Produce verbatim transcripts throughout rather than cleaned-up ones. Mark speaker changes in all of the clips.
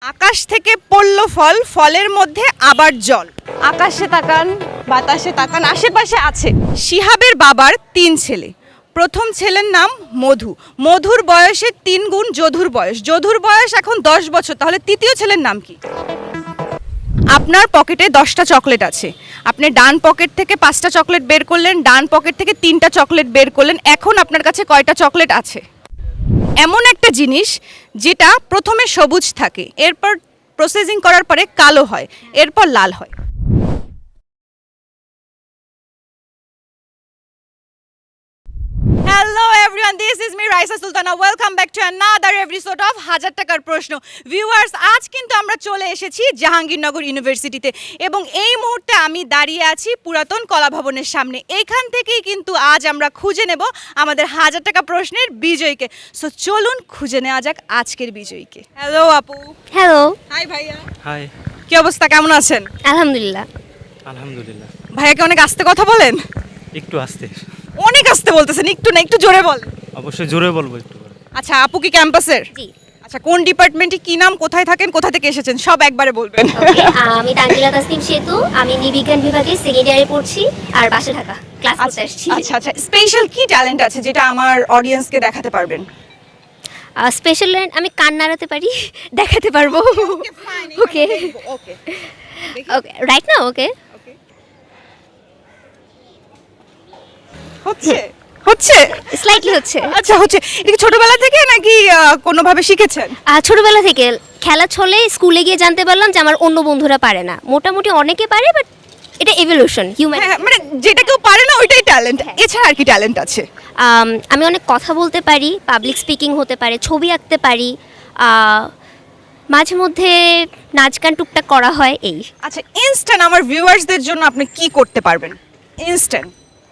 Speaker 1: আকাশ থেকে পড়ল ফল, ফলের মধ্যে আবার জল। আকাশে তাকান, বাতাসে তাকান, আশেপাশে আছে। শিহাবের বাবার তিন ছেলে। প্রথম ছেলের নাম মধু। মধুর বয়সের তিন গুণ যধুর বয়স। যধুর বয়স এখন দশ বছর, তাহলে তৃতীয় ছেলের নাম কি? আপনার পকেটে দশটা চকলেট আছে। আপনি ডান পকেট থেকে পাঁচটা চকলেট বের করলেন, ডান পকেট থেকে তিনটা চকলেট বের করলেন। এখন আপনার কাছে কয়টা চকলেট আছে? এমন একটা জিনিস যেটা প্রথমে সবুজ থাকে, এরপর প্রসেসিং করার পরে কালো হয়, এরপর লাল হয়। Hello everyone, this is me Raisa Sultana. Welcome back to another episode of হাজার টাকার প্রশ্ন। ভিউয়ার্স, আজ কিন্তু আমরা চলে এসেছি জাহাঙ্গীরনগর ইউনিভার্সিটিতে এবং এই মুহূর্তে আমি দাঁড়িয়ে আছি পুরাতন কলা ভবনের সামনে। এইখান থেকেই কিন্তু আজ আমরা খুঁজে নেব আমাদের হাজার টাকা প্রশ্নের বিজয়ীকে। সো চলুন খুঁজে নেওয়া যাক আজকের বিজয়ীকে। হ্যালো আপু।
Speaker 2: হ্যালো।
Speaker 1: হাই ভাইয়া।
Speaker 3: হাই।
Speaker 1: কি অবস্থা, কেমন আছেন?
Speaker 2: আলহামদুলিল্লাহ।
Speaker 3: আলহামদুলিল্লাহ।
Speaker 1: ভাইয়াকে অনেক আস্তে কথা বলেন?
Speaker 3: একটু আস্তে।
Speaker 1: অনেক আস্তে বলতেছেন, একটু না একটু জোরে বলেন।
Speaker 3: অবশ্যই জোরে বলবো একটু করে।
Speaker 1: আচ্ছা, আপু কি ক্যাম্পাসের?
Speaker 2: জি।
Speaker 1: আচ্ছা, কোন ডিপার্টমেন্টে, কি নাম, কোথায় থাকেন, কোথা থেকে এসেছেন, সব একবারে বলবেন।
Speaker 2: ওকে, আমি তানজিলা তাসনিম সেতু, আমি নিবিজ্ঞান বিভাগে সেকেন্ড ইয়ারে পড়ছি আর বাসে থাকা ক্লাস করতে আসছি।
Speaker 1: আচ্ছা আচ্ছা, স্পেশাল কি ট্যালেন্ট আছে যেটা আমার অডিয়েন্সকে দেখাতে পারবেন?
Speaker 2: স্পেশাল ল্যান্ড আমি কান নাড়াতে পারি, দেখাতে পারবো। ওকে
Speaker 1: ওকে
Speaker 2: ওকে রাইট না? ওকে
Speaker 1: হচ্ছে হচ্ছে
Speaker 2: স্লাইটলি হচ্ছে।
Speaker 1: আচ্ছা হচ্ছে। এটা কি ছোটবেলা থেকে নাকি আহ, কোনোভাবে শিখেছেন?
Speaker 2: আর ছোটবেলা থেকে খেলা ছলে স্কুলে গিয়ে জানতে পারলাম যে আমার অন্য বন্ধুরা পারে না। মোটামুটি অনেকে পারে, বাট এটা এভলিউশন হিউম্যান।
Speaker 1: হ্যাঁ, মানে যেটা কেউ পারে না ওইটাই ট্যালেন্ট। এছাড়া আর কি ট্যালেন্ট আছে?
Speaker 2: আমি অনেক কথা বলতে পারি, পাবলিক স্পিকিং হতে পারে, ছবি আঁকতে পারি, আহ, মাঝে মধ্যে নাচ গান টুকটাক করা হয় এই।
Speaker 1: আচ্ছা, ইনস্ট্যান্ট আমার ভিউয়ার্সদের জন্য আপনি কি করতে পারবেন ইনস্ট্যান্ট?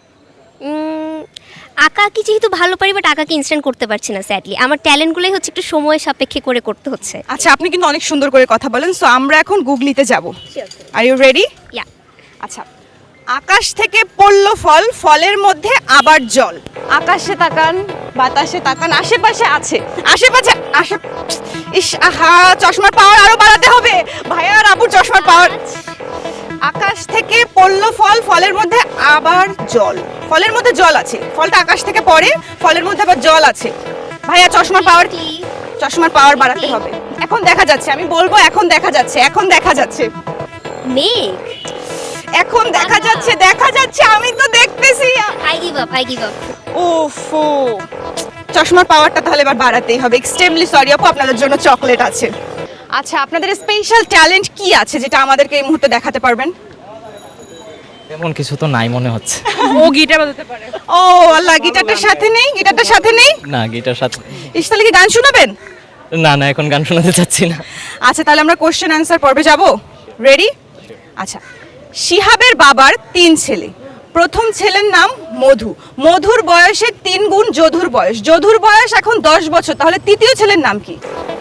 Speaker 2: উম, আঁকা কি যেহেতু ভালো পারি, বাট আঁকাকে ইনস্ট্যান্ট করতে পারছি না স্যাডলি। আমার ট্যালেন্টগুলোই হচ্ছে একটু সময় সাপেক্ষে করে করতে হচ্ছে।
Speaker 1: আচ্ছা, আপনি কিন্তু অনেক সুন্দর করে কথা বলেন। সো আমরা এখন গুগলিতে যাব। Are you ready?
Speaker 2: ইয়া।
Speaker 1: আচ্ছা, আকাশ থেকে পড়ল ফল, ফলের মধ্যে আবার জল। আকাশে তাকান, বাতাসে তাকান, আশেপাশে আছে। আশেপাশে আশে ইস আহা, চশমার পাওয়ার আরো বাড়াতে হবে। ভাইয়া আর আপুর চশমার পাওয়ার। আকাশ থেকে পড়ল ফল, ফলের মধ্যে আবার জল। ফলের মধ্যে জল আছে, ফলটা আকাশ থেকে পড়ে, ফলের মধ্যে আবার জল আছে। ভাইয়া চশমার পাওয়ার, চশমার পাওয়ার বাড়াতে হবে। এখন দেখা যাচ্ছে, আমি বলবো এখন দেখা যাচ্ছে, এখন দেখা যাচ্ছে,
Speaker 2: মেঘ।
Speaker 1: এখন দেখা যাচ্ছে, দেখা যাচ্ছে, আমি তো দেখতেছি।
Speaker 2: I give up, I give up.
Speaker 1: ওফো, চশমার পাওয়ারটা তাহলে এবার বাড়াতেই হবে। এক্সট্রিমলি সরি আপু, আপনাদের জন্য চকলেট আছে। আচ্ছা, আপনাদের স্পেশাল ট্যালেন্ট কি আছে যেটা আমাদেরকে এই মুহূর্তে দেখাতে পারবেন?
Speaker 3: এমন কিছু তো নাই মনে হচ্ছে।
Speaker 1: ও গিটার বাজাতে পারে। ও আল্লাহ, গিটারটার সাথে নেই, গিটারটার সাথে নেই।
Speaker 3: না, গিটার সাথে।
Speaker 1: ইস, তাহলে কি গান শোনাবেন?
Speaker 3: না না, এখন গান শোনাতে চাচ্ছি না।
Speaker 1: আচ্ছা, তাহলে আমরা কোশ্চেন অ্যান্সার পর্বে যাব। রেডি? আচ্ছা, শিহাবের বাবার তিন ছেলে। প্রথম ছেলের নাম মধু। মধুর বয়সের তিন গুণ যধুর বয়স। যধুর বয়স এখন দশ বছর, তাহলে তৃতীয় ছেলের নাম কি?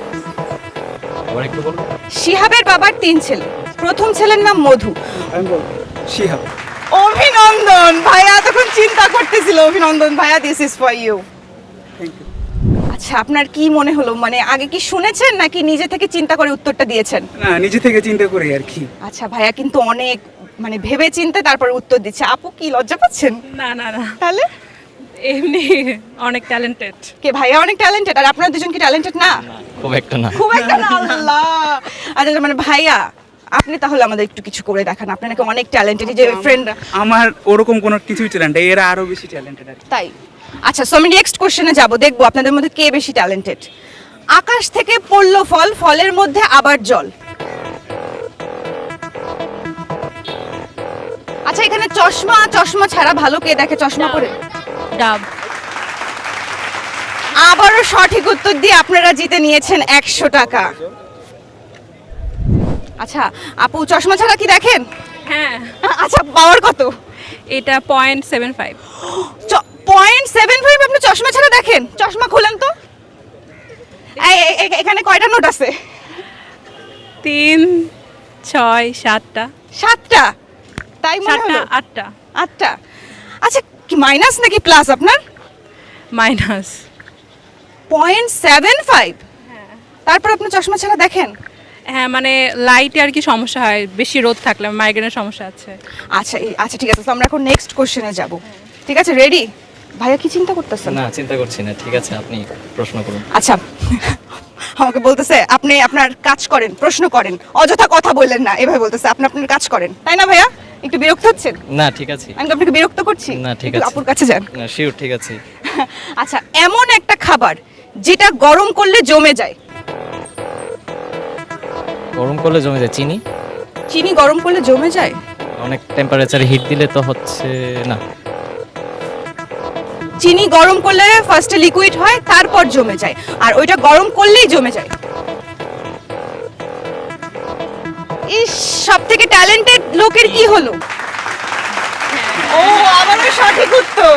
Speaker 3: আবার একটু বলবো।
Speaker 1: শিহাবের বাবার তিন ছেলে। প্রথম ছেলের নাম মধু।
Speaker 4: আমি বলবো শিহাব।
Speaker 1: অভিনন্দন ভাইয়া, তখন চিন্তা করতেছিল। অভিনন্দন ভাইয়া, this is for you.
Speaker 4: Thank you.
Speaker 1: আচ্ছা, আপনার কি মনে হলো, মানে আগে কি শুনেছেন নাকি নিজে থেকে চিন্তা করে উত্তরটা দিয়েছেন?
Speaker 4: না, নিজে থেকে চিন্তা করি আর কি।
Speaker 1: আচ্ছা, ভাইয়া কিন্তু অনেক মানে ভেবে চিন্তে তারপর উত্তর দিচ্ছে। আপু কি লজ্জা পাচ্ছেন?
Speaker 5: না না না,
Speaker 1: তাহলে
Speaker 5: এমনি অনেক ট্যালেন্টেড।
Speaker 1: কে ভাইয়া অনেক ট্যালেন্টেড, আর আপনারা দুজন কি ট্যালেন্টেড না?
Speaker 3: খুব একটা না।
Speaker 1: খুব একটা না। আল্লাহ। আচ্ছা, মানে ভাইয়া আপনি তাহলে আমাদের একটু কিছু করে দেখান। আপনি নাকি অনেক ট্যালেন্টেড, যে ফ্রেন্ডরা।
Speaker 4: আমার ওরকম কোনো কিছুই ট্যালেন্ট, এরা আরো বেশি ট্যালেন্টেড আর কি।
Speaker 1: তাই? আচ্ছা, সো আমি নেক্সট কোশ্চেনে যাব, দেখবো আপনাদের মধ্যে কে বেশি ট্যালেন্টেড। আকাশ থেকে পড়ল ফল, ফলের মধ্যে আবার জল। আচ্ছা, এখানে চশমা, চশমা ছাড়া ভালো কে দেখে চশমা পরে?
Speaker 5: ডাব।
Speaker 1: আবারও সঠিক উত্তর দিয়ে আপনারা জিতে নিয়েছেন একশো টাকা। আচ্ছা আপু, চশমা ছাড়া কি দেখেন?
Speaker 5: হ্যাঁ,
Speaker 1: আচ্ছা, পাওয়ার কত?
Speaker 5: এটা point seven five.
Speaker 1: Point seven five আপনি চশমা ছাড়া দেখেন? চশমা খুলেন তো। এই, এই, এই, এখানে কয়টা নোট আছে?
Speaker 5: তিন, ছয়, সাতটা।
Speaker 1: সাতটা? তাই মনে
Speaker 5: সাতটা,
Speaker 1: হলো।
Speaker 5: আটটা।
Speaker 1: আটটা। আচ্ছা, কি মাইনাস নাকি প্লাস আপনার?
Speaker 5: মাইনাস।
Speaker 1: Point seven five. তারপর আপনি চশমা ছাড়া দেখেন?
Speaker 5: হ্যাঁ মানে লাইটে আর কি সমস্যা হয়, বেশি রোদ থাকলে মাইগ্রেনের সমস্যা আছে।
Speaker 1: আচ্ছা এই- আচ্ছা ঠিক আছে, তো আমরা এখন নেক্সট কোশ্চেনে যাব। ঠিক আছে, রেডি? ভাইয়া কি চিন্তা করতেছেন?
Speaker 3: না চিন্তা করছি না, ঠিক আছে আপনি প্রশ্ন করুন।
Speaker 1: আচ্ছা আমাকে বলতেছে আপনি আপনার কাজ করেন, প্রশ্ন করেন, অযথা কথা বললেন না, এভাবে বলতেছে আপনি আপনার কাজ করেন, তাই না ভাইয়া? একটু বিরক্ত হচ্ছেন?
Speaker 3: না ঠিক আছে।
Speaker 1: আমি কি আপনাকে বিরক্ত করছি?
Speaker 3: না, ঠিক
Speaker 1: একটু
Speaker 3: আছে।
Speaker 1: আপুর কাছে যান।
Speaker 3: না শিওর, ঠিক আছে।
Speaker 1: আচ্ছা, এমন একটা খাবার যেটা গরম করলে জমে যায়।
Speaker 3: গরম করলে জমে যায় চিনি।
Speaker 1: চিনি গরম করলে জমে যায়?
Speaker 3: অনেক টেম্পারেচারে হিট দিলে তো হচ্ছে না।
Speaker 1: চিনি গরম করলে ফার্স্টে লিকুইড হয়, তারপর জমে যায়, আর ওইটা গরম করলেই জমে যায়। ইস, সব থেকে ট্যালেন্টেড লোকের কি হলো? ও, আমারও সঠিক উত্তর।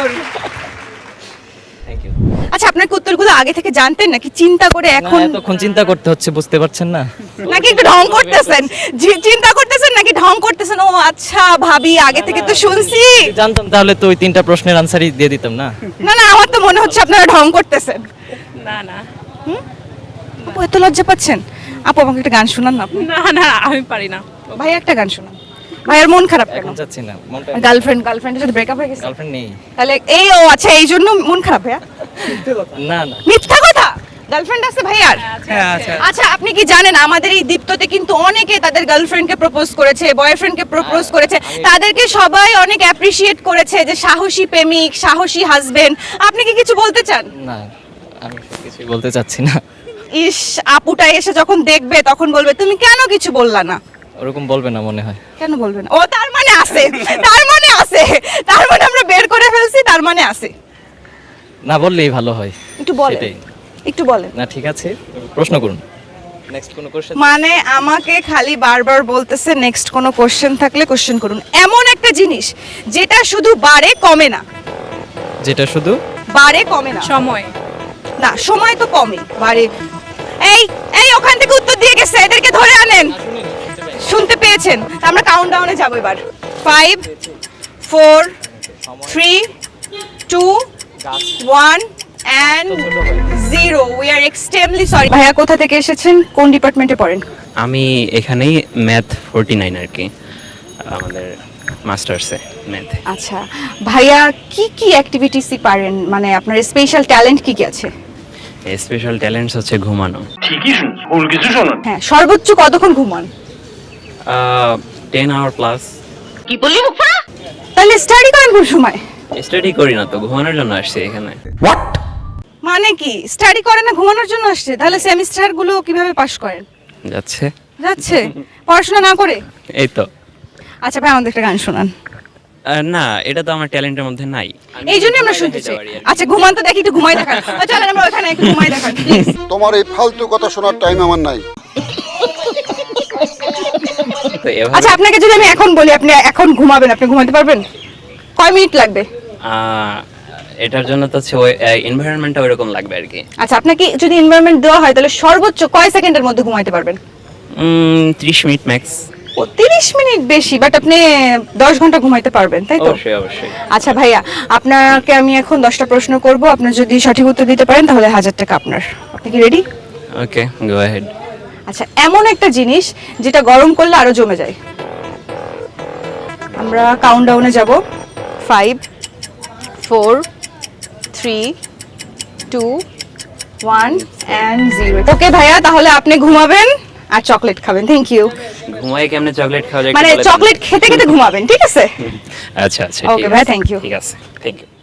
Speaker 3: Thank you.
Speaker 1: আচ্ছা, আপনার কি উত্তরগুলো আগে থেকে জানতেন নাকি চিন্তা করে
Speaker 3: এখন
Speaker 1: এখন,
Speaker 3: এতক্ষণ চিন্তা করতে হচ্ছে, বুঝতে পারছেন না?
Speaker 1: নাকি একটু ঢং করতেছেন? জি- চিন্তা করতেছেন নাকি ঢং করতেছেন? ও আচ্ছা, ভাবি আগে থেকে তো শুনছি।
Speaker 3: জানতাম তাহলে তো ওই তিনটা প্রশ্নের আনসারই দিয়ে দিতাম না।
Speaker 1: না না, আমার তো মনে হচ্ছে আপনারা ঢং করতেছেন।
Speaker 5: না না
Speaker 1: আপু এত লজ্জা পাচ্ছেন? আপু আমাকে একটা গান শোনান না আপনি।
Speaker 5: না না আমি পারি না।
Speaker 1: ভাই একটা গান শোনান। ভাইয়ের মন খারাপ কেন?
Speaker 3: এখন যাচ্ছি না, মনটা
Speaker 1: গার্লফ্রেন্ড গার্লফ্রেন্ডের সাথে ব্রেকআপ হয়ে গেছে?
Speaker 3: গার্লফ্রেন্ড নেই।
Speaker 1: তাহলে এই ও আচ্ছা, এই জন্য মন খারাপ ভাইয়া?
Speaker 3: না না
Speaker 1: মিথ্যা কথা, গার্লফ্রেন্ড আছে ভাইয়ার?
Speaker 4: হ্যাঁ আচ্ছা
Speaker 1: আচ্ছা, আপনি কি জানেন আমাদের এই দীপ্ততে কিন্তু অনেকে তাদের গার্লফ্রেন্ডকে প্রপোজ করেছে, বয়ফ্রেন্ডকে প্রপোজ করেছে, তাদেরকে সবাই অনেক অ্যাপ্রিশিয়েট করেছে যে সাহসী প্রেমিক, সাহসী হাজবেন্ড। আপনি কি কিছু বলতে চান?
Speaker 3: না আমি কিছুই বলতে চাচ্ছি না।
Speaker 1: ইস, আপুটা এসে যখন দেখবে তখন বলবে তুমি কেন কিছু বললা না।
Speaker 3: ওরকম বলবে না মনে হয়।
Speaker 1: কেন বলবে না? ও তার মানে আছে, তার মানে আছে, তার মানে আমরা বের করে ফেলছি, তার মানে আছে।
Speaker 3: না বললেই ভালো হয়।
Speaker 1: একটু বলেন,
Speaker 3: সেটাই।
Speaker 1: একটু বলেন।
Speaker 3: না ঠিক আছে, প্রশ্ন করুন। নেক্সট কোনো কোশ্চেন?
Speaker 1: মানে আমাকে খালি বারবার বলতেছে নেক্সট কোনো কোশ্চেন থাকলে কোশ্চেন করুন। এমন একটা জিনিস যেটা শুধু বাড়ে কমে না।
Speaker 3: যেটা শুধু
Speaker 1: বাড়ে কমে না।
Speaker 5: সময়।
Speaker 1: না, সময় তো কমে, বাড়ে। এই এই ওখান থেকে উত্তর দিয়ে গেছে, এদেরকে ধরে আনেন। শুনতে পেয়েছেন? তা আমরা কাউন্টডাউনে যাব এবার। Five, four, three, two, one and zero. We are extremely sorry. ভাইয়া কোথা থেকে এসেছেন, কোন ডিপার্টমেন্টে পড়েন?
Speaker 6: আমি এখানেই ম্যাথ ফোরটি নাইন আর কি, আমাদের মাস্টার্সে ম্যাথ।
Speaker 1: আচ্ছা ভাইয়া, কি কি অ্যাক্টিভিটিসই পারেন, মানে আপনার স্পেশাল ট্যালেন্ট কি কি আছে?
Speaker 6: স্পেশাল ট্যালেন্টস হচ্ছে ঘুমানো।
Speaker 1: হ্যাঁ, সর্বোচ্চ কতক্ষণ ঘুমান?
Speaker 6: Ten hour plus.
Speaker 1: তাহলে স্টাডি করেন কোন সময়?
Speaker 6: স্টাডি করি না তো, ঘুমানোর জন্য আসছি এখানে।
Speaker 1: মানে কি স্টাডি করেন না, ঘুমানোর জন্য আসছে? তাহলে সেমিস্টার গুলো কিভাবে পাস করেন?
Speaker 6: যাচ্ছে।
Speaker 1: যাচ্ছে পড়াশোনা না করে?
Speaker 6: এই তো।
Speaker 1: আচ্ছা ভাই, আমাদের একটা গান শোনান।
Speaker 6: আহ, না এটা তো আমার ট্যালেন্টের মধ্যে নাই। আমি
Speaker 1: এই জন্য আমরা
Speaker 6: ঘুমাই
Speaker 1: শুনতে
Speaker 6: দেখাইতে
Speaker 1: চাই।
Speaker 6: পারি আর কি।
Speaker 1: আচ্ছা ঘুমান তো, দেখি একটু ঘুমাই দেখান। ও, চলেন আমরা ওখানে একটু ঘুমাই দেখান please।
Speaker 7: তোমার এই ফালতু কথা শোনার টাইম আমার নাই।
Speaker 6: তো এভাবে
Speaker 1: আচ্ছা আপনাকে যদি আমি এখন বলি আপনি এখন ঘুমাবেন, আপনি ঘুমাতে পারবেন? কয় মিনিট লাগবে?
Speaker 6: আহ, এটার জন্য তো হচ্ছে এনভায়রনমেন্টটা ওইরকম লাগবে আর কি।
Speaker 1: আচ্ছা, আপনাকে যদি এনভায়রনমেন্ট দেওয়া হয় তাহলে সর্বোচ্চ কয় সেকেন্ডের মধ্যে ঘুমাইতে পারবেন?
Speaker 6: উম, ত্রিশ মিনিট ম্যাক্স।
Speaker 1: ও, তিরিশ মিনিট বেশি, বাট আপনি দশ ঘন্টা ঘুমাইতে পারবেন, তাই তো?
Speaker 6: অবশ্যই অবশ্যই।
Speaker 1: আচ্ছা ভাইয়া, আপনাকে আমি এখন দশটা প্রশ্ন করব, আপনি যদি সঠিক উত্তর দিতে পারেন তাহলে হাজার টাকা আপনার। আপনি কি রেডি?
Speaker 6: ওকে, গো অ্যাহেড।
Speaker 1: আচ্ছা, এমন একটা জিনিস যেটা গরম করলে আরো জমে যায়। আমরা কাউন্টডাউনে যাব। Five, four, three, two, one and zero. Okay ভাইয়া, তাহলে আপনি ঘুমাবেন আর চকলেট খাবেন। Thank you.
Speaker 6: ঘুমাই কেমনে চকলেট খাওয়া যায়?
Speaker 1: মানে
Speaker 6: একটু বলে দেন।
Speaker 1: চকলেট খেতে খেতে ঘুমাবেন, ঠিক আছে?
Speaker 6: আচ্ছা আচ্ছা।
Speaker 1: Okay,
Speaker 6: ঠিক
Speaker 1: ভাই,
Speaker 6: আছে,
Speaker 1: thank you.
Speaker 6: ঠিক আছে, থ্যাংক ইউ।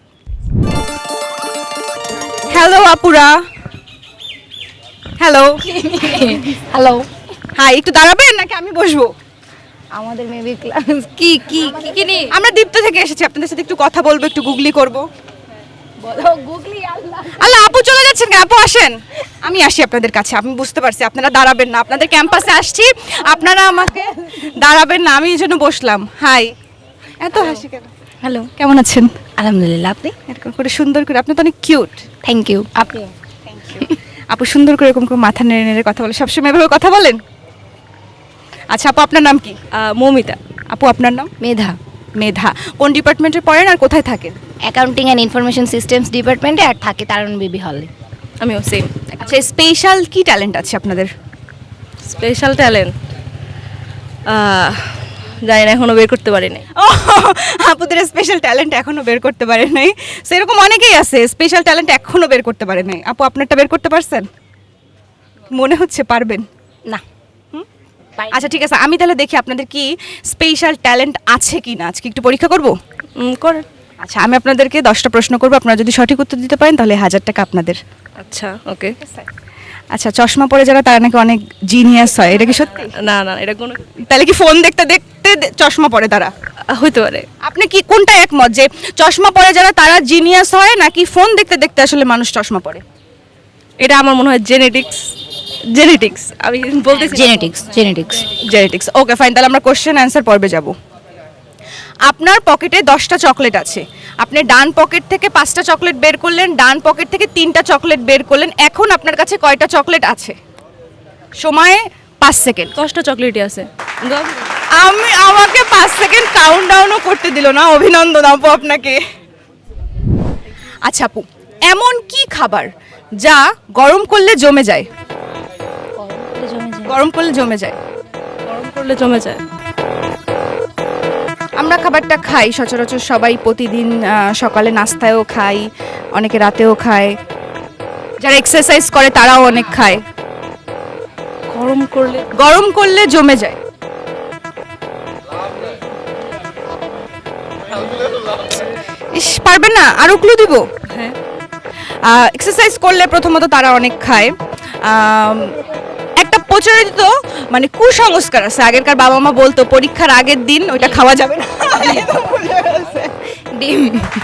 Speaker 1: হ্যালো আপুরা। হ্যালো
Speaker 8: হ্যালো,
Speaker 1: হাই, একটু দাঁড়াবেন নাকি আমি বসবো?
Speaker 8: আমাদের মেবি ক্লাস কি কি কি কি নি
Speaker 1: আমরা দীপ্ত থেকে এসেছি, আপনাদের সাথে একটু কথা বলবো, একটু গুগলি করব।
Speaker 8: বলো গুগলি আল্লাহ।
Speaker 1: আল্লাহ, আপু চলে যাচ্ছেন কেন? আপু আসেন, আমি আসি আপনাদের কাছে। আমি বুঝতে পারছি আপনারা দাঁড়াবেন না, আপনাদের ক্যাম্পাসে আসছি, আপনারা আমাকে দাঁড়াবেন না, আমি এই জন্য বসলাম। হাই, এত হাসি কেন?
Speaker 8: হ্যালো,
Speaker 1: কেমন আছেন?
Speaker 8: আলহামদুলিল্লাহ, আপনি?
Speaker 1: এরকম করে সুন্দর করে, আপনি তো অনেক কিউট।
Speaker 8: Thank you. আপনি?
Speaker 1: আপু সুন্দর করে এরকম করে মাথা নেড়ে নেড়ে কথা বলে, সবসময় এভাবে কথা বলেন? আচ্ছা আপু, আপনার নাম কি?
Speaker 5: মৌমিতা।
Speaker 1: আপু আপনার নাম?
Speaker 8: মেধা।
Speaker 1: মেধা। কোন ডিপার্টমেন্টে পড়েন আর কোথায় থাকেন?
Speaker 8: অ্যাকাউন্টিং অ্যান্ড ইনফরমেশন সিস্টেমস ডিপার্টমেন্টে আর থাকে তারণ বেবি হলে।
Speaker 5: আমিও সেম।
Speaker 1: আচ্ছা, স্পেশাল কি ট্যালেন্ট আছে আপনাদের?
Speaker 5: স্পেশাল ট্যালেন্ট জানি না, এখনো বের করতে পারি নাই।
Speaker 1: ও, আপুদের স্পেশাল ট্যালেন্ট এখনো বের করতে পারে নাই, সেরকম অনেকেই আছে স্পেশাল ট্যালেন্ট এখনো বের করতে পারে নাই। আপু আপনারটা বের করতে পারছেন? মনে হচ্ছে পারবেন
Speaker 8: না।
Speaker 1: আচ্ছা ঠিক আছে, আমি তাহলে দেখি আপনাদের কি স্পেশাল ট্যালেন্ট আছে কি না। আজকে একটু পরীক্ষা করব।
Speaker 5: উম, করেন।
Speaker 1: আচ্ছা, আমি আপনাদেরকে দশটা প্রশ্ন করবো, আপনারা যদি সঠিক উত্তর দিতে পারেন তাহলে হাজার টাকা আপনাদের।
Speaker 5: আচ্ছা ওকে।
Speaker 1: আচ্ছা, চশমা পরে যারা তারা নাকি অনেক জিনিয়াস হয়, এটা কি সত্যি?
Speaker 5: না না, এটা কোনো
Speaker 1: তাহলে কি ফোন দেখতে দেখতে দে- চশমা পরে তারা?
Speaker 5: হইতে পারে।
Speaker 1: আপনি কি কোনটা একমত, যে চশমা পরে যারা তারা জিনিয়াস হয়, নাকি ফোন দেখতে দেখতে আসলে মানুষ চশমা পরে?
Speaker 5: এটা আমার মনে হয় জেনেটিক্স। জেনেটিক্স আমি বলতেছি।
Speaker 8: Genetics genetics
Speaker 1: genetics. Okay fine, তাহলে আমরা কোশ্চেন অ্যান্সার পর্বে যাব। আপনার পকেটে দশটা চকলেট আছে, আপনি ডান পকেট থেকে পাঁচটা চকলেট বের করলেন, ডান পকেট থেকে তিনটা চকলেট বের করলেন, এখন আপনার কাছে কয়টা চকলেট আছে? সময় পাঁচ সেকেন্ড।
Speaker 5: দশটা চকলেটই আছে।
Speaker 1: আমি আমাকে পাঁচ সেকেন্ড কাউন্ট ডাউনও করতে দিল না, অভিনন্দন আপু আপনাকে। আচ্ছা আপু, এমন কি খাবার যা গরম করলে জমে যায়? গরম করলে জমে যায়।
Speaker 5: গরম করলে জমে যায়।
Speaker 1: আমরা খাবারটা খাই সচরাচর সবাই প্রতিদিন, আহ, সকালে নাস্তায়ও খাই, অনেকে রাতেও খায়, যারা এক্সারসাইজ করে তারাও অনেক খায়।
Speaker 5: গরম করলে
Speaker 1: গরম করলে জমে যায়। ইস, পারবেন না? আরো ক্লু দিব?
Speaker 5: হ্যাঁ।
Speaker 1: এক্সারসাইজ করলে প্রথমত তারা অনেক খায়। আম, একটা প্রচলিত মানে কুসংস্কার আছে, আগেরকার বাবা মা বলতো পরীক্ষার আগের দিন ওইটা খাওয়া যাবে না। ডিম।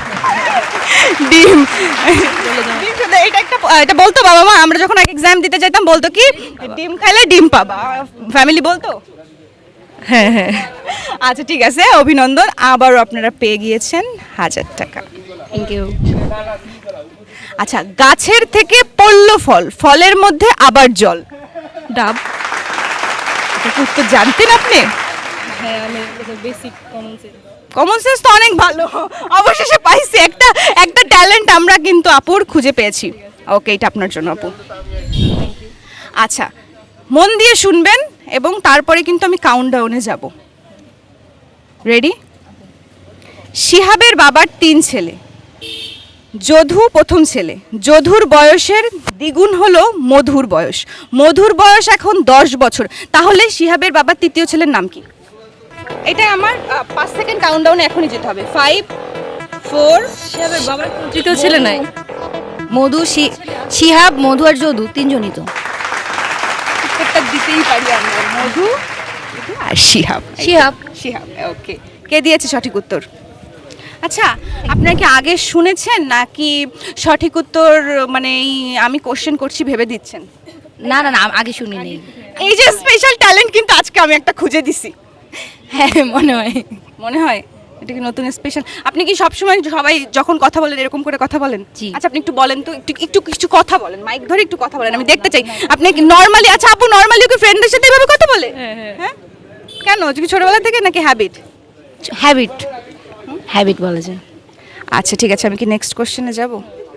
Speaker 1: ডিম। ডিম খেলে এটা একটা এটা বলতো বাবা মা, আমরা যখন এক্সাম দিতে যেতাম বলতো কি ডিম খাইলে ডিম পাবা, ফ্যামিলি বলতো।
Speaker 5: হ্যাঁ হ্যাঁ।
Speaker 1: আচ্ছা ঠিক আছে, অভিনন্দন, আবারও আপনারা পেয়ে গিয়েছেন হাজার টাকা।
Speaker 8: Thank you.
Speaker 1: আচ্ছা, গাছের থেকে পড়লো ফল, ফলের মধ্যে আবার জল।
Speaker 5: ডাব।
Speaker 1: এটা কি উত্তর জানতেন আপনি?
Speaker 5: হ্যাঁ, আমি basic common sense.
Speaker 1: Common sense তো অনেক ভালো, অবশেষে পাইছি একটা একটা ট্যালেন্ট আমরা কিন্তু আপুর খুঁজে পেয়েছি। ওকে, এটা আপনার জন্য আপু। আচ্ছা, মন দিয়ে শুনবেন এবং তারপরে কিন্তু আমি কাউন্টডাউনে যাব। রেডি? শিহাবের বাবার তিন ছেলে, যধু প্রথম ছেলে, যধুর বয়সের দ্বিগুণ হলো মধুর বয়স, মধুর বয়স এখন দশ বছর, তাহলে শিহাবের বাবার তৃতীয় ছেলের নাম কি? এটা আমার আহ, পাঁচ সেকেন্ড কাউন্টডাউনে এখনই যেতে হবে। ফাইভ, ফোর,
Speaker 5: শিহাবের বাবার কোনো তৃতীয় ছেলে নাই।
Speaker 8: মধু শি- শিহাব মধু আর যদু তিনজনই তো।
Speaker 1: উত্তরটা দিতেই পারি আমরা, মধু আর শিহাব।
Speaker 8: শিহাব।
Speaker 1: শিহাব, ওকে। কে দিয়েছে সঠিক উত্তর? আচ্ছা, আপনারা কি আগে শুনেছেন নাকি সঠিক উত্তর মানে এই আমি কোশ্চেন করছি ভেবে দিচ্ছেন?
Speaker 8: না না না, আগে শুনি নেই।
Speaker 1: এই যে স্পেশাল ট্যালেন্ট কিন্তু আজকে আমি একটা খুঁজে দিছি।
Speaker 8: হ্যাঁ মনে হয়।
Speaker 1: মনে হয় এটা কি নতুন স্পেশাল? আপনি কি সবসময় সবাই যখন কথা বলেন এরকম করে কথা বলেন?
Speaker 8: জি।
Speaker 1: আচ্ছা, আপনি একটু বলেন তো, একটু একটু কিছু কথা বলেন, মাইক ধরে একটু কথা বলেন, আমি দেখতে চাই। আপনি কি নর্মালি, আচ্ছা আপু নর্মালি কি ফ্রেন্ডদের সাথে এভাবে কথা বলে?
Speaker 5: হ্যাঁ হ্যাঁ।
Speaker 1: হ্যাঁ, কেন? কি ছোটবেলা থেকে নাকি হ্যাবিট?
Speaker 8: হ্যাবিট হ্যাবিট বলা যায়।
Speaker 1: আচ্ছা ঠিক আছে, আমি কি নেক্সট কোশ্চেনে যাব?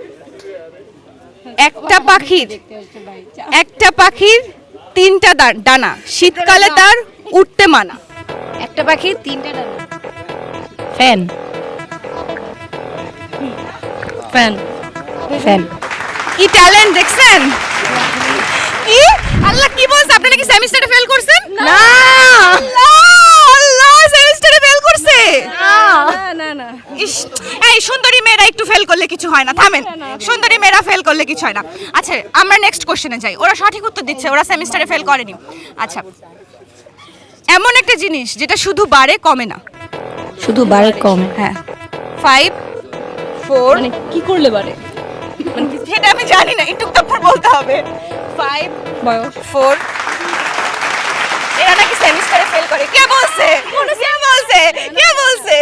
Speaker 1: একটা পাখির একটা পাখির তিনটা দা- ডানা, শীতকালে তার উঠতে মানা।
Speaker 8: একটা পাখি তিনটা ডানা। ফ্যান।
Speaker 5: ফ্যান।
Speaker 8: ফ্যান।
Speaker 1: কি ট্যালেন্ট দেখছেন? কি আল্লাহ, কি বলছ? আপনি নাকি সেমিস্টারে ফেল করছেন?
Speaker 8: না।
Speaker 1: আল্লাহ, আল্লাহ সেমিস্টারে ফেল করছে।
Speaker 5: না না না।
Speaker 1: ইস, এই সুন্দরী মেয়েরা একটু ফেল করলে কিছু হয় না, থামেন। সুন্দরী মেয়েরা ফেল করলে কিছু হয় না। আচ্ছা, আমরা নেক্সট কোশ্চেনে যাই। ওরা সঠিক উত্তর দিচ্ছে, ওরা সেমিস্টারে ফেল করেনি। আচ্ছা, এমন একটা জিনিস যেটা শুধু বাড়ে কমে না।
Speaker 8: শুধু বারে কম।
Speaker 1: হ্যাঁ। ফাইভ, ফোর,
Speaker 5: মানে কি করলে পারে?
Speaker 1: সেটা আমি জানি না, একটু তারপর বলতে হবে। ফাইভ,
Speaker 5: বয়স।
Speaker 1: ফোর। এরা নাকি সেমিস্টারে ফেল করে। কে বলছে? কে বলছে? কে বলছে?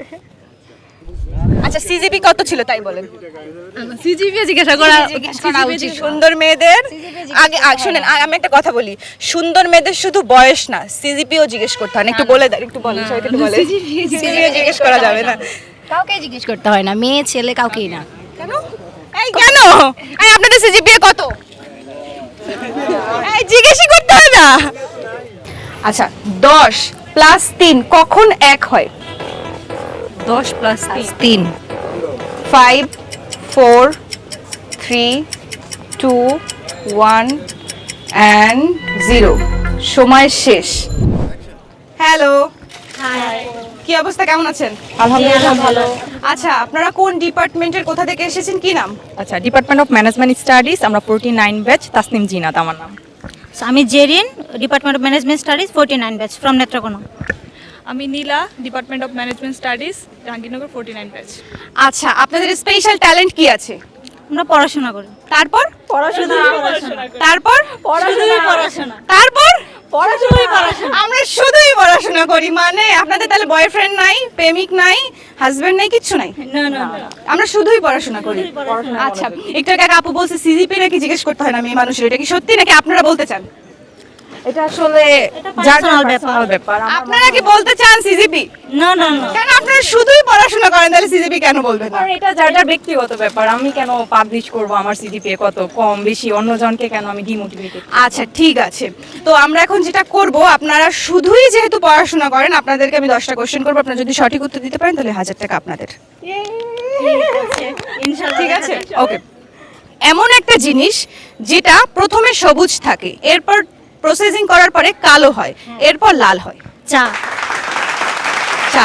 Speaker 1: আচ্ছা, সিজিপি কত ছিল তাই বলেন?
Speaker 5: সিজিপি জিজ্ঞাসা করা
Speaker 1: জিজ্ঞেস করা উচিত। সুন্দর মেয়েদের আগে আগে শুনেন, আ- আমি একটা কথা বলি, সুন্দর মেয়েদের শুধু বয়স না, সিজিপিও জিজ্ঞেস করতে হয় না। একটু বলে দেন, একটু বলেন, সবাইকে একটু বলেন। সিজিপিও জিজ্ঞেস করা যাবে না।
Speaker 8: কাউকে জিজ্ঞেস করতে হয় না, মেয়ে ছেলে কাউকেই না।
Speaker 1: কেন? এই কেন? এই আপনাদের সিজিপিএ কত? এই জিজ্ঞেসই করতে হয় না। আচ্ছা, দশ প্লাস তিন কখন এক হয়?
Speaker 5: দশ প্লাস তিন
Speaker 1: তিন। Five, four, three, two, one and zero. সময় শেষ। হ্যালো, কি অবস্থা, কেমন আছেন?
Speaker 8: আলহামদুলিল্লাহ ভালো।
Speaker 1: আচ্ছা, আপনারা কোন ডিপার্টমেন্টের, কোথা থেকে এসেছেন, কি নাম?
Speaker 5: আচ্ছা, ডিপার্টমেন্ট অফ ম্যানেজমেন্ট স্টাডিজ, আমরা forty nine batch, Tasnim Zinat আমার নাম।
Speaker 8: আমি Jerin, department of management studies forty nine batch from Netrokona.
Speaker 5: আমি Nila, department of management studies, Jahangirnagar forty nine batch.
Speaker 1: আচ্ছা, আপনাদের স্পেশাল ট্যালেন্ট কি আছে?
Speaker 8: আমরা পড়াশোনা করি।
Speaker 1: তারপর
Speaker 8: পড়াশোনা
Speaker 1: তারপর
Speaker 8: পড়াশোনা
Speaker 1: তারপর
Speaker 8: পড়াশোনাই পড়াশোনা।
Speaker 1: আমরা শুধুই পড়াশোনা করি, মানে আপনাদের তাহলে বয়ফ্রেন্ড নাই, প্রেমিক নাই, হাজবেন্ড নাই, কিচ্ছু নাই?
Speaker 8: না না
Speaker 1: আমরা শুধুই পড়াশোনা করি। আচ্ছা, একটু আগে এক আপু বলছে সিজিপি নাকি জিজ্ঞেস করতে হয় না মেয়ে মানুষের, এটা কি সত্যি নাকি আপনারা বলতে চান?
Speaker 5: এটা আসলে
Speaker 8: পার্সোনাল ব্যাপার।
Speaker 5: ব্যাপার।
Speaker 1: আপনারা কি বলতে চান সিজিপি?
Speaker 8: না না না
Speaker 1: কেন আপনারা শুধুই পড়াশোনা করেন, তাহলে সিজিপি কেন বলবেন না?
Speaker 5: এটা যার যার ব্যক্তিগত ব্যাপার, আমি কেন পাবলিশ করব আমার সিজিপিএ কত কম বেশি, অন্যজনকে কেন আমি ডিমোটিভেটেড।
Speaker 1: আচ্ছা, ঠিক আছে। তো আমরা এখন যেটা করব, আপনারা শুধুই যেহেতু পড়াশোনা করেন, আপনাদেরকে আমি দশটা কোশ্চেন করবো, আপনারা যদি সঠিক উত্তর দিতে পারেন তাহলে হাজার টাকা আপনাদের।
Speaker 8: ইনশাআল্লাহ।
Speaker 1: ঠিক আছে, ওকে। এমন একটা জিনিস যেটা প্রথমে সবুজ থাকে, এরপর প্রসেসিং করার পরে কালো হয়, এরপর লাল হয়।
Speaker 8: চা।
Speaker 1: চা।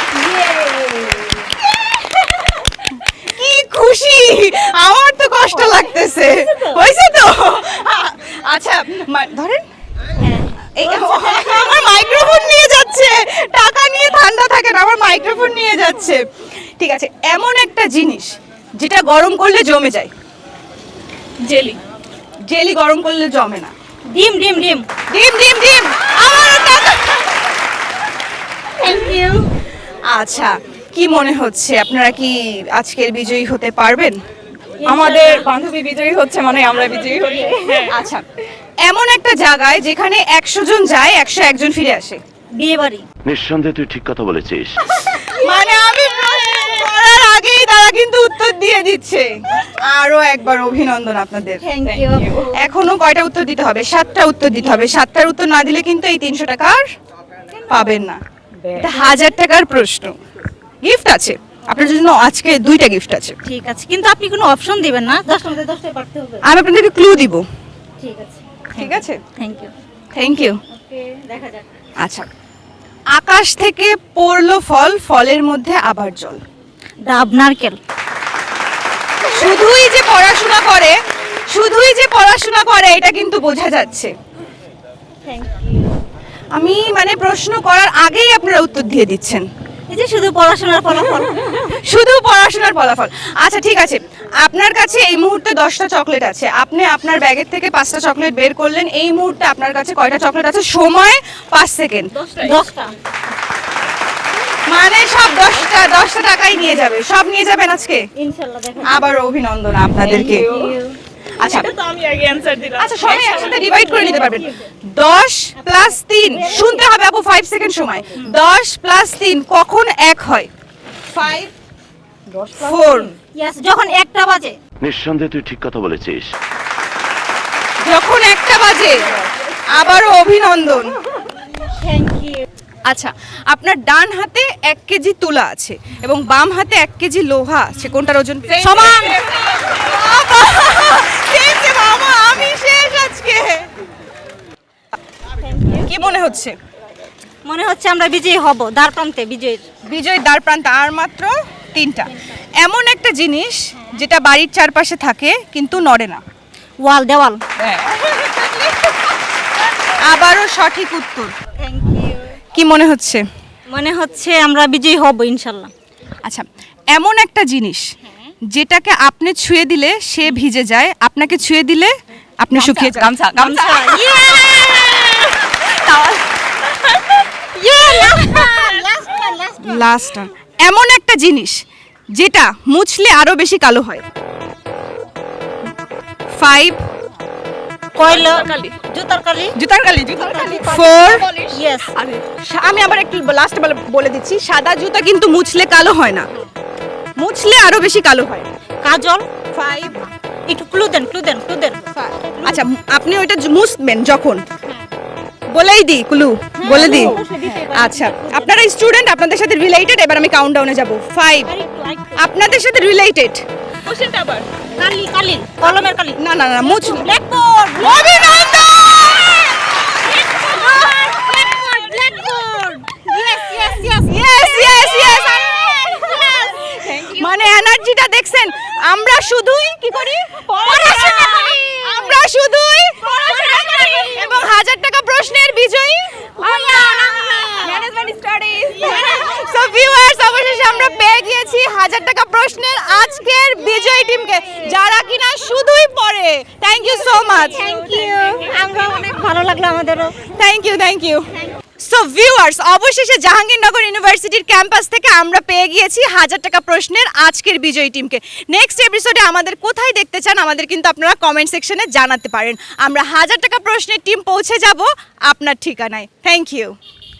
Speaker 1: কি খুশি, আমার তো কষ্ট লাগতেছে। হয়েছে তো? আচ্ছা, মা- ধরেন এই আমার মাইক্রোফোন নিয়ে যাচ্ছে, টাকা নিয়ে ঠান্ডা থাকে না, আমার মাইক্রোফোন নিয়ে যাচ্ছে। ঠিক আছে, এমন একটা জিনিস যেটা গরম করলে জমে যায়।
Speaker 5: জেলি।
Speaker 1: জেলি গরম করলে জমে না।
Speaker 8: ডিম ডিম ডিম।
Speaker 1: ডিম ডিম ডিম। আমারও টাকা।
Speaker 8: Thank you.
Speaker 1: আচ্ছা, কি মনে হচ্ছে আপনারা কি আজকের বিজয়ী হতে পারবেন?
Speaker 5: আমাদের বান্ধবী বিজয়ী হচ্ছে মানে আমরা বিজয়ী হই।
Speaker 1: আচ্ছা, এমন একটা জায়গায় যেখানে একশো জন যায়, একশো একজন ফিরে আসে।
Speaker 8: বিয়ে বাড়ি।
Speaker 9: নিঃসন্দেহে তুই ঠিক কথা বলেছিস।
Speaker 1: মানে আমি প্রশ্ন করার আগেই তারা কিন্তু উত্তর দিয়ে দিচ্ছে। আরো একবার অভিনন্দন আপনাদের।
Speaker 8: Thank you.
Speaker 1: এখনো কয়টা উত্তর দিতে হবে? সাতটা উত্তর দিতে হবে। সাতটার উত্তর না দিলে কিন্তু এই তিনশো টাকা আর পাবেন না। এটা হাজার টাকার প্রশ্ন। গিফট আছে আপনার জন্য, আজকে দুইটা গিফট আছে।
Speaker 8: ঠিক আছে, কিন্তু আপনি কোনো অপশন দিবেন না, দশটার মধ্যে দশটায় পারতে হবে।
Speaker 1: আমি আপনাদেরকে ক্লু দিব।
Speaker 8: ঠিক আছে,
Speaker 1: ঠিক আছে,
Speaker 8: thank you.
Speaker 1: Thank you.
Speaker 8: Okay, দেখা যাক।
Speaker 1: আচ্ছা, আকাশ থেকে পড়লো ফল, ফলের মধ্যে আবার জল।
Speaker 8: ডাব নারকেল।
Speaker 1: শুধুই যে পড়াশোনা করে, শুধুই যে পড়াশোনা করে এটা কিন্তু বোঝা যাচ্ছে।
Speaker 8: Thank you.
Speaker 1: আমি মানে প্রশ্ন করার আগেই আপনারা উত্তর দিয়ে দিচ্ছেন।
Speaker 8: এই যে শুধু পড়াশোনার ফলাফল।
Speaker 1: শুধু পড়াশোনার ফলাফল। আচ্ছা, ঠিক আছে, আপনার কাছে এই মুহূর্তে দশটা চকলেট আছে, আপনি আপনার ব্যাগের থেকে পাঁচটা চকলেট বের করলেন, এই মুহূর্তে আপনার কাছে কয়টা চকলেট আছে? সময় পাঁচ সেকেন্ড।
Speaker 8: দশটা।
Speaker 1: মানে সব দশটা দশটা টাকাই নিয়ে যাবে, সব নিয়ে যাবেন আজকে।
Speaker 8: ইনশাআল্লাহ দেখা
Speaker 1: আবার অভিনন্দন আপনাদেরকে। আচ্ছা,
Speaker 5: তো আমি আগে অ্যানসার দিলাম।
Speaker 1: আচ্ছা, সবাই একসাথে ডিভাইড করে নিতে পারবেন। দশ প্লাস তিন, শুনতে হবে আপু, ফাইভ সেকেন্ড সময়। দশ প্লাস তিন কখন এক হয়? Five, four.
Speaker 8: ইয়েস, যখন একটা বাজে।
Speaker 9: নিঃসন্দেহে তুই ঠিক কথা বলেছিস।
Speaker 1: যখন একটা বাজে। আবারও অভিনন্দন।
Speaker 8: Thank you.
Speaker 1: আচ্ছা, আপনার ডান হাতে এক কেজি তুলা আছে এবং বাম হাতে এক কেজি লোহা আছে, কোনটার ওজন
Speaker 8: সমান।
Speaker 1: বাবা, আমি শেষ আজকে। কি মনে হচ্ছে?
Speaker 8: মনে হচ্ছে আমরা বিজয়ী হব, দ্বার প্রান্তে বিজয়ীর।
Speaker 1: বিজয় দ্বার প্রান্তে। আর মাত্র তিনটা। এমন একটা জিনিস যেটা বাড়ির চারপাশে থাকে কিন্তু নড়ে না।
Speaker 8: ওয়াল, দেওয়াল।
Speaker 1: আবারও সঠিক উত্তর।
Speaker 8: Thank you.
Speaker 1: কি মনে হচ্ছে?
Speaker 8: মনে হচ্ছে আমরা বিজয়ী হব ইনশাআল্লাহ।
Speaker 1: আচ্ছা, এমন একটা জিনিস যেটাকে আপনি ছুঁয়ে দিলে সে ভিজে যায়, আপনাকে ছুঁয়ে দিলে আপনি শুকিয়ে যান।
Speaker 5: গামছা, গামছা।
Speaker 1: লাস্ট, এমন একটা জিনিস যেটা মুছলে আরো বেশি কালো হয়। ফাইভ,
Speaker 8: কয়লা, জুতার কালি।
Speaker 1: জুতার কালি, জুতার কালি। Four,
Speaker 8: yes.
Speaker 1: আমি আবার একটু লাস্ট বলে দিচ্ছি, সাদা জুতা কিন্তু মুছলে কালো হয় না, মুছলে আরো বেশি কালো হয়।
Speaker 8: কাজল।
Speaker 1: ফাইভ,
Speaker 8: একটু ক্লু দেন ক্লু দেন ক্লু দেন
Speaker 1: আচ্ছা আপনি ওইটা জ- মুছবেন যখন বলেই দিই ক্লু বলে দিই আচ্ছা আপনারা স্টুডেন্ট আপনাদের সাথে রিলেটেড এবার আমি কাউন্টডাউনে যাব ফাইভ আপনাদের সাথে রিলেটেড কোশ্চেনটা আবার
Speaker 8: কালি কালি কলমের কালি
Speaker 1: না না না মুছ
Speaker 8: ব্ল্যাকবোর্ড
Speaker 1: অভিনন্দন
Speaker 8: blackboard yes yes yes
Speaker 1: yes yes yes মানে এনার্জিটা দেখছেন আমরা শুধুই কি করি
Speaker 8: পড়াশোনা করি।
Speaker 1: আমরা শুধুই এবং হাজার টাকা প্রশ্নের বিজয়ী ম্যানেজমেন্ট স্টাডিজ সো ভিউয়ার্স অবশেষে আমরা পেয়ে গিয়েছি হাজার টাকা প্রশ্নের আজকের বিজয়ী টিমকে যারা কিনা শুধুই পড়ে thank you so much
Speaker 8: thank you আমরা অনেক ভালো লাগলো আমাদেরও
Speaker 1: thank you thank you so viewers অবশেষে জাহাঙ্গীরনগর ইউনিভার্সিটির ক্যাম্পাস থেকে আমরা পেয়ে গিয়েছি হাজার টাকা প্রশ্নের আজকের বিজয়ী টিমকে নেক্সট এপিসোডে আমাদের কোথায় দেখতে চান আমাদের কিন্তু আপনারা কমেন্ট সেকশনে জানাতে পারেন আমরা হাজার টাকা প্রশ্নের টিম পৌঁছে যাব আপনার ঠিকানায় থ্যাংক ইউ